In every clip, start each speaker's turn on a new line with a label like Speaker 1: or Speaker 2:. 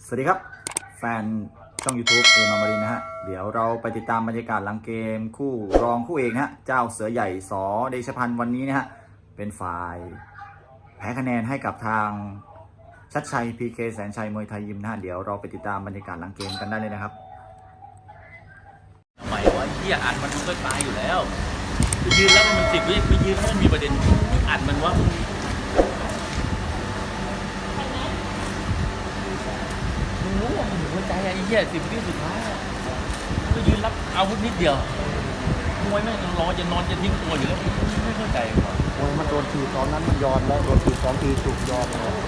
Speaker 1: สวัสดีครับแฟนช่อง YouTube เอมามารินนะฮะเดี๋ยวเราไปติดตามบรรยากาศหลังเกมคู่รองคู่เอกนะฮะเจ้าเสือใหญ่สเดชพันธ์วันนี้นะฮะเป็นฝ่ายแพ้คะแนนให้กับทางชัดชัย PK แสนชัยมวยไทยยิมนะฮะเดี๋ยวเราไปติดตามบรรยากาศหลังเกมกันได้เลยนะครับ
Speaker 2: ทำไมวะเฮียอัดมันก็ตายอยู่แล้วไปยืนแล้วมัน10 วิไปยืนให้มันมีประเด็นอัดมันว่ามึงรู้ว่ามันหัวใจไอ้เหี้ย10 วิสุดท้ายก็ยืนรับอาวุธนิดเดียวมวยแม่งรอจะนอนจะทิ้งตัวอยู่แล้วไม่เข้าใจว่ะ
Speaker 3: มวยมันโดนทีตอนนั้นมันยอมแล้วโดนที2 ทีถูกยอมแล้ว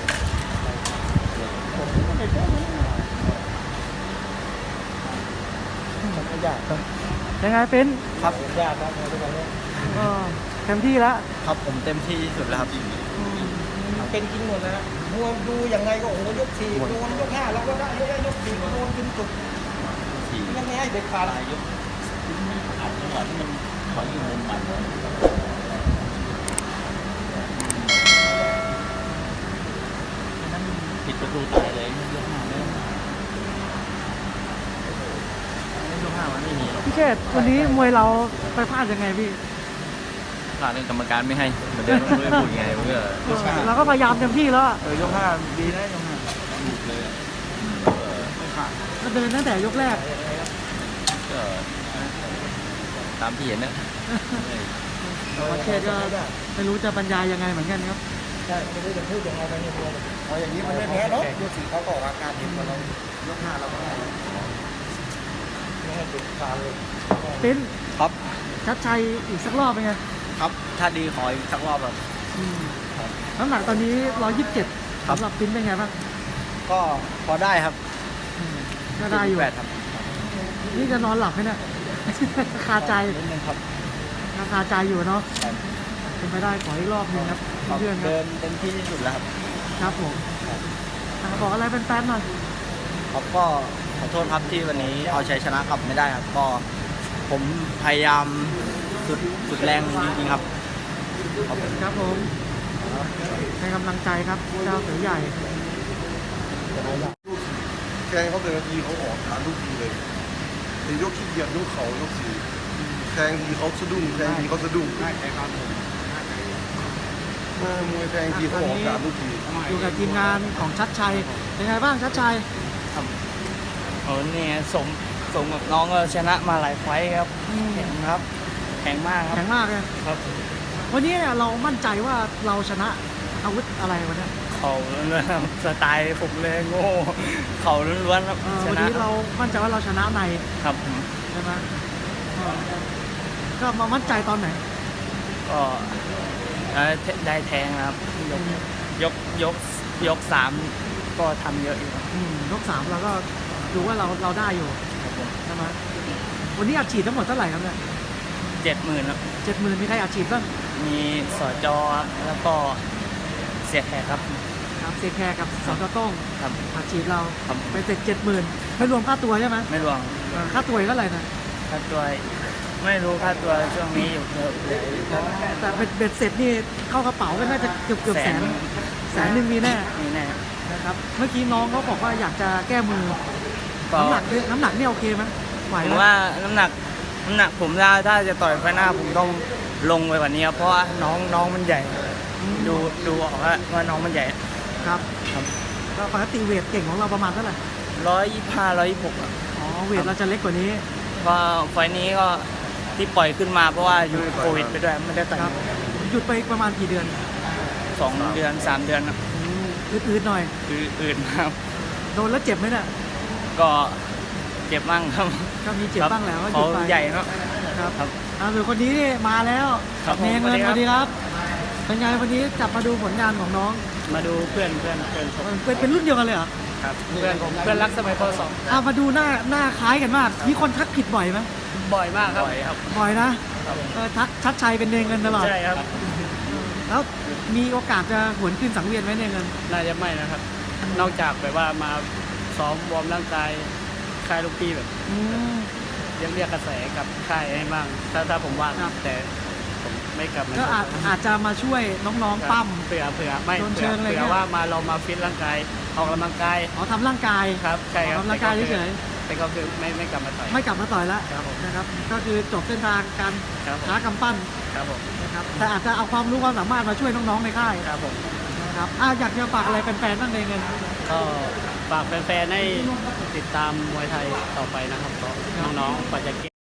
Speaker 3: มันก็ยากครับ
Speaker 4: ยังไงเป็น
Speaker 3: ครับยากครับทุกวันนี้
Speaker 4: เต็มที่แล้ว
Speaker 3: ครับผมเต็มที่ที่สุดแล้วครับเป็นจริงหมดแล้วมวยดูยังไงก็โอ้โหยก4โดนยก5เราก็ได้ยก4โดนจนสุดยังไงให้เด็ดขาด
Speaker 2: ตายยกอัดจังหวะที่มันถอยอยู่มุมมันนั้นผิดประตูตายเลยยก5มันไม่มีหรอก
Speaker 4: พี่เชษวันนี้มวยเราไปพลาดยังไงพี่
Speaker 2: พลาดเรื่องกรรมการไม่ให้เหมือนเดิมไม่พูดไงมันก็
Speaker 4: เราก็พยายามเต็มที่แล้วอะ
Speaker 3: ยก5ดีนะยก5
Speaker 2: ถูกเลยไม่ขาด
Speaker 4: ก็เดินตั้งแต่ยกแรก
Speaker 2: ก็ตามที่เห็นนะ
Speaker 4: พี่เชษก็ไม่รู้จะบรรยายยังไงเหมือนกันครับ
Speaker 3: ใช่ไม่รู้จะพูดยังไงไปเนี่ยเอาอย่างนี้มันไม่แพ้เนาะยก4เขาก็ออกอาการเห็นว่าเรายก5เราก็ได้ไม่ให้เด็ดขาดเลย
Speaker 4: เป็น
Speaker 3: ครับ
Speaker 4: ชัดชัยอีกสักรอบเป็นไง
Speaker 3: ครับถ้าดีขออีกสักรอบแบบ
Speaker 4: น้ำหนักตอนนี้127สำหรับปิ้นเป็นไงบ้าง
Speaker 3: ก็พอได้ครับ
Speaker 4: ก็ได้อยู่
Speaker 3: ครับ
Speaker 4: นี่จะนอนหลับไหมเนี่ย คาใจ
Speaker 3: นิดนึงครับ
Speaker 4: คาใจอยู่เนาะเป็นไปได้ขออีกรอบหนึงครับเพื่อนๆครั
Speaker 3: เดิ
Speaker 4: บ
Speaker 3: นเต็มที่ที่สุดแล้วครับ
Speaker 4: ครับผมบอกอะไรเป็นแฟนๆหน่อย
Speaker 3: ครับก็ขอโทษครับที่วันนี้เอาชัยชนะกลับไม่ได้ครับก็ผมพยายามสุดแรงจริงๆครับ
Speaker 4: ครับผมให้กำลังใจครับเจ้าเสือใหญ่
Speaker 5: แทงเขาแต่ละทีเขาออกฐานทุกทีเลยแต่ยกขี้เกียจยกเขายกสี่แทงทีเขาสะดุ้งแทงทีเขาสะดุ้งมวยแทงทีเขาออกฐานทุกที
Speaker 4: อยู่กับทีมงานของชัดชัยเป็นไงบ้างชัดชัย
Speaker 3: โอ้เนี่ยสมกับน้องก็ชนะมาหลายไฟท์ครับแข็งครับแข็งมากครับ
Speaker 4: แข็งมากเลย
Speaker 3: ครับ
Speaker 4: วันนี้เนี่ยเรามั่นใจว่าเราชนะอาวุธอะไรวันนี้
Speaker 3: เขาล้วนๆครับสไตล์ผมเลยโง่เขาล้วนๆครับช
Speaker 4: วัน
Speaker 3: นะ
Speaker 4: นี้เรามั่นใจว่าเราชนะใน
Speaker 3: ครับ
Speaker 4: ใช่ไหมก็มามั่นใจตอนไหน
Speaker 3: ก็ได้แทงนะครับยก3ก็ทำเยอะอยู่ครับ
Speaker 4: ยก3เราก็ดูว่าเราได้อยู่ใช่ไหมวันนี้อัดฉีดทั้งหมดเท่าไหร่ครับเนี่ย
Speaker 3: 70,000ครับ
Speaker 4: 70,000มีใครอัดฉีดบ้าง
Speaker 3: มีสจแล้วก็เสียแขกครับ
Speaker 4: ครับเซแคร์กับสกต้ง
Speaker 3: ครับ
Speaker 4: อัดฉีดเรา
Speaker 3: ครับ
Speaker 4: ไปเสร็จ70,000ไม่รวมค่าตัวใช่ไหม
Speaker 3: ไม่รวม
Speaker 4: ค่าตัวอีกเท่าไหร่นะ
Speaker 3: ค่าตัวไม่รู้ค่าตัวช่วงนี้อยู่เยอะเลยครับ
Speaker 4: แต่เบ็ดเสร็จนี่เข้ากระเป๋าก็น่าจะเกือบแสนหนึ่งมีแน่
Speaker 3: นี่แน่
Speaker 4: นะครับเมื่อกี้น้องเขาบอกว่าอยากจะแก้มือ
Speaker 3: ก็
Speaker 4: น้ำหนักนี่โอเคไหมไหว
Speaker 3: ผม
Speaker 4: ไหม
Speaker 3: ว่าน้ำหนักผมถ้าจะต่อยไฟหน้าผมต้องลงไปกว่านี้ครับเพราะว่าน้องมันใหญ่ ดูออกว่าน้องมันใหญ่
Speaker 4: ครับ
Speaker 3: ครับ
Speaker 4: ก็ปกติเวทเก่งของเราประมาณเท่าไหร่
Speaker 3: 125 126
Speaker 4: อ๋อเวทเราจะเล็กกว่านี้
Speaker 3: ก็ไฟนี้ก็ที่ปล่อยขึ้นมาเพราะว่าอยู่โควิดไปด้วยไม่ได้ต่อย
Speaker 4: ครับหยุดไปประมาณกี่เดือน
Speaker 3: 2 เดือน 3 เดือนครับ
Speaker 4: อืดๆหน่อย
Speaker 3: คืออื่นครับ
Speaker 4: โดนแล้วเจ็บไหมเนี่ย
Speaker 3: ก็เจ็บมั่งครับ
Speaker 4: ก็มีเจ็บบ้างแหล้วก็หยุ
Speaker 3: เขา
Speaker 4: ดไป
Speaker 3: ใหญ่เนาะ
Speaker 4: ครับ
Speaker 3: ครับ
Speaker 4: หรือคนนี้นี่มาแล้ว
Speaker 3: ครับ
Speaker 4: เนเงิน
Speaker 3: ผม
Speaker 4: สวัสดีครับเป็นไงวันนี้จับมาดูผลงานของน้อง
Speaker 3: มาดูเพื่อนผม
Speaker 4: เป็นรุ่นเดียวกันเลยเหรอ
Speaker 3: ครับเพื่อนรักสมัยป .2
Speaker 4: มาดูหน้าคล้ายกันมากมีคนทักผิดบ่อยไหม
Speaker 3: บ่อยมากครับบ่อยครับ
Speaker 4: บ่อยนะทักชัดชัยเป็นเนเงินตลอด
Speaker 3: ใช่ครับ
Speaker 4: แล้วมีโอกาสจะหวนขึ้นสังเวียนไหมเนเงิน
Speaker 3: น่าจะไม่นะครับ นอกจากแบบว่ามาซ้อมวอร์มร่างกายค่ายลูกพี่แบบ
Speaker 4: อืม
Speaker 3: เรียกกระแสกับค่ายให้บ้างถ้าผมว่าง
Speaker 4: ครับ
Speaker 3: แต่ผม
Speaker 6: ไม่กลับมา
Speaker 4: ก็อาจจะมาช่วยน้องๆปั้ม
Speaker 6: เผื่อไม่
Speaker 4: โดนเชิ
Speaker 6: เผื่
Speaker 4: งอะไรเงี้ย
Speaker 6: อว่ามาเรามาฟิตร่างกายออกกำลังกาย
Speaker 4: อ๋อทำร่างกาย
Speaker 6: ครับใช่ครับ
Speaker 4: ออกกำลังกายเฉย
Speaker 6: แต่ก็คือไม่กลับมาต่อย
Speaker 4: ๆไม่กลับมาต่อยแล้ว
Speaker 6: ครับผม
Speaker 4: นะครับก็คือจบเส้นทางการ
Speaker 6: ครับผม
Speaker 4: ค้ากำปั้น
Speaker 6: ครับผม
Speaker 4: นะครับแต่อาจจะเอาความรู้ความสามารถมาช่วยน้องๆในค่าย
Speaker 6: ครับผม
Speaker 4: นะครับอยากจะฝากอะไรแฟนๆบ้างในเงิน
Speaker 6: ก็ฝากแฟนๆให้ติดตามมวยไทยต่อไปนะครับเพราะน้องๆกว่าจะเก่ง